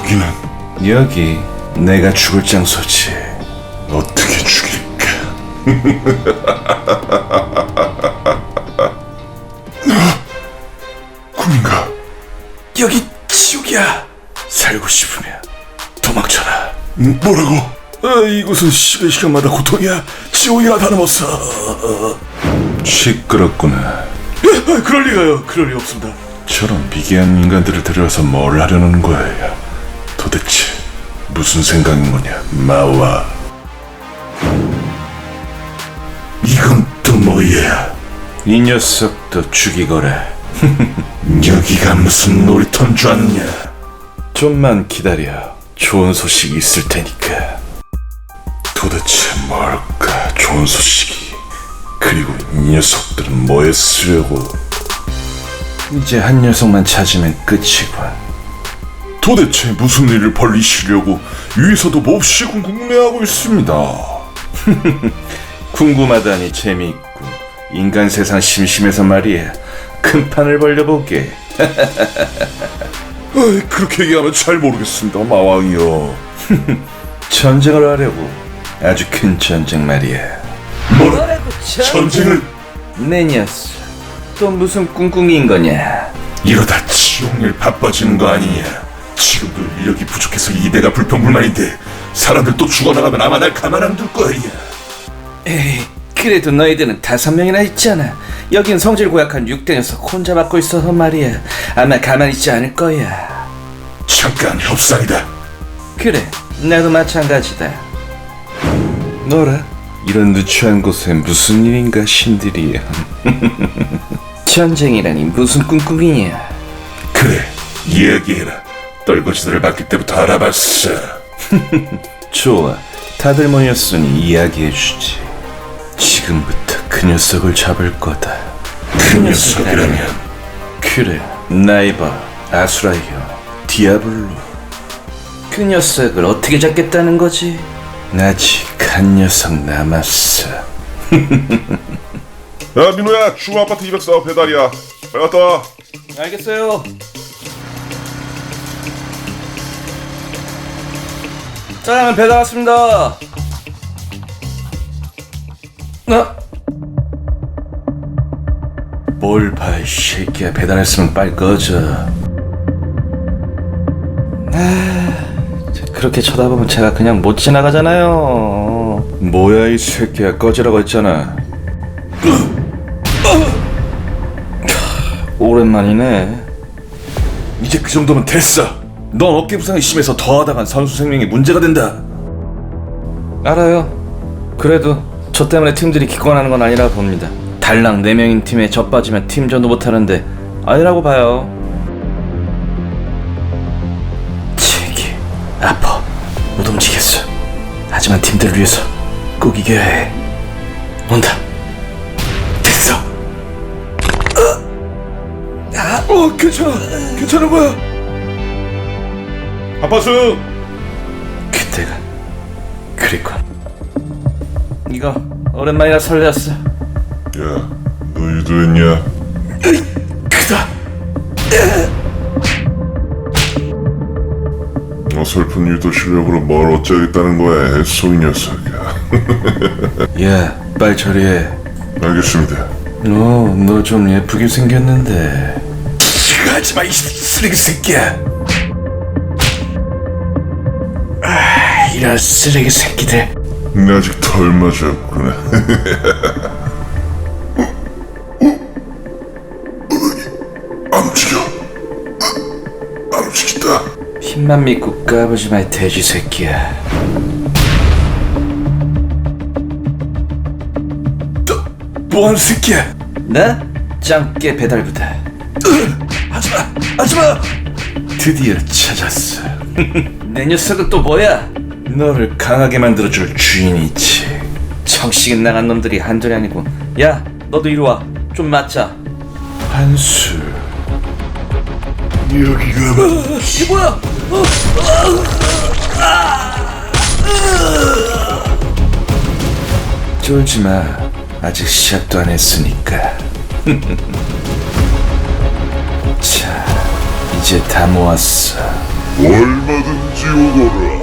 여기는 여기 내가 죽을 장소지. 어떻게 죽일까? 꿈인가? 여기 지옥이야. 살고 싶으면 도망쳐라. 뭐라고? 이곳은 시간마다 고통이야. 지옥이라 다름없어. 시끄럽구나. 그럴 리가요. 그럴 리 없습니다. 저런 미개한 인간들을 데려와서 뭘 하려는 거야? 도대체 무슨 생각인 거냐, 마와? 이건 또 뭐야? 이 녀석도 죽이거라. 여기가 무슨 놀이터인 줄 아느냐? 좀만 기다려. 좋은 소식이 있을 테니까. 도대체 뭘까? 좋은 소식이. 그리고 이 녀석들은 뭐에 쓰려고? 이제 한 녀석만 찾으면 끝이군. 도대체 무슨 일을 벌리시려고 위에서도 몹시 궁금해하고 있습니다. 궁금하다니 재미있군. 인간 세상 심심해서 말이야. 큰 판을 벌려보게. 그렇게 얘기하면 잘 모르겠습니다, 마왕이요. 전쟁을 하려고. 아주 큰 전쟁 말이야. 뭐라고? 전쟁을? 내 녀석, 또 무슨 꿍꿍이인 거냐? 이러다 지옥일 바빠지는 거 아니냐? 지금도 인력이 부족해서 이대가 불평불만인데 사람들 또 죽어나가면 아마 날 가만 안 둘 거야. 에이, 그래도 너희들은 5명이나 있잖아. 여긴 성질 고약한 6대 녀석 혼자 맡고 있어서 말이야. 아마 가만히 있지 않을 거야. 잠깐 협상이다. 그래, 나도 마찬가지다. 너라? 이런 누추한 곳에 무슨 일인가 신들이야. 전쟁이라니 무슨 꿍꿍이냐. 그래, 이야기해라. 떨거지들을 맡길 때부터 알아봤어. 좋아, 다들 모였으니 이야기해주지. 지금부터 그 녀석을 잡을 거다. 그 녀석이라면? 그래, 나이바, 아수라이어, 디아블로. 그 녀석을 어떻게 잡겠다는 거지? 아직 한 녀석 남았어. 야, 민호야, 중앙 아파트 204 배달이야. 빨리 갔다 와. 알겠어요. 짜장면 배달 왔습니다. 뭘 봐, 이 새끼야. 배달했으면 빨리 꺼져. 그렇게 쳐다보면 제가 그냥 못 지나가잖아요. 뭐야, 이 새끼야. 꺼지라고 했잖아. 오랜만이네. 이제 그 정도면 됐어. 넌 어깨 부상이 심해서 더 하다간 선수 생명에 문제가 된다. 알아요. 그래도 저 때문에 팀들이 기권하는 건 아니라 봅니다. 달랑 4명인 팀에 저 빠지면 팀전도 못하는데 아니라고 봐요. 책이 아파. 못 움직였어. 하지만 팀들을 위해서 꼭 이겨야 해. 온다. 됐어. 괜찮은 거야. 아파스! 그때가 그리고 이거 오랜만이라 설레었어. 야, 너 유도했냐? 크다. 어설픈 유도 실력으로 뭘 어쩌겠다는 거야, 애송이 녀석이야. 야, 빨리 처리해. 알겠습니다. 너 좀 예쁘게 생겼는데. 하지마, 이 쓰레기 새끼야. 이런 쓰레기 새끼들. 아직 덜 맞았구나. 안 움직여. 안 움직인다. 힘만 믿고 까부지 마, 이 돼지 새끼야. 뭐하는 새끼야? 나? 짱깨 배달부다. 하지마! 드디어 찾았어. 내 녀석은 또 뭐야? 너를 강하게 만들어줄 주인이 있지. 정신 나간 놈들이 한둘이 아니고. 야, 너도 이리 와. 좀 맞자. 한술. 여기가 이게 뭐야? 쫄지 마. 아직 시작도 안 했으니까. 자, 이제 다 모았어. 얼마든지 지우거라.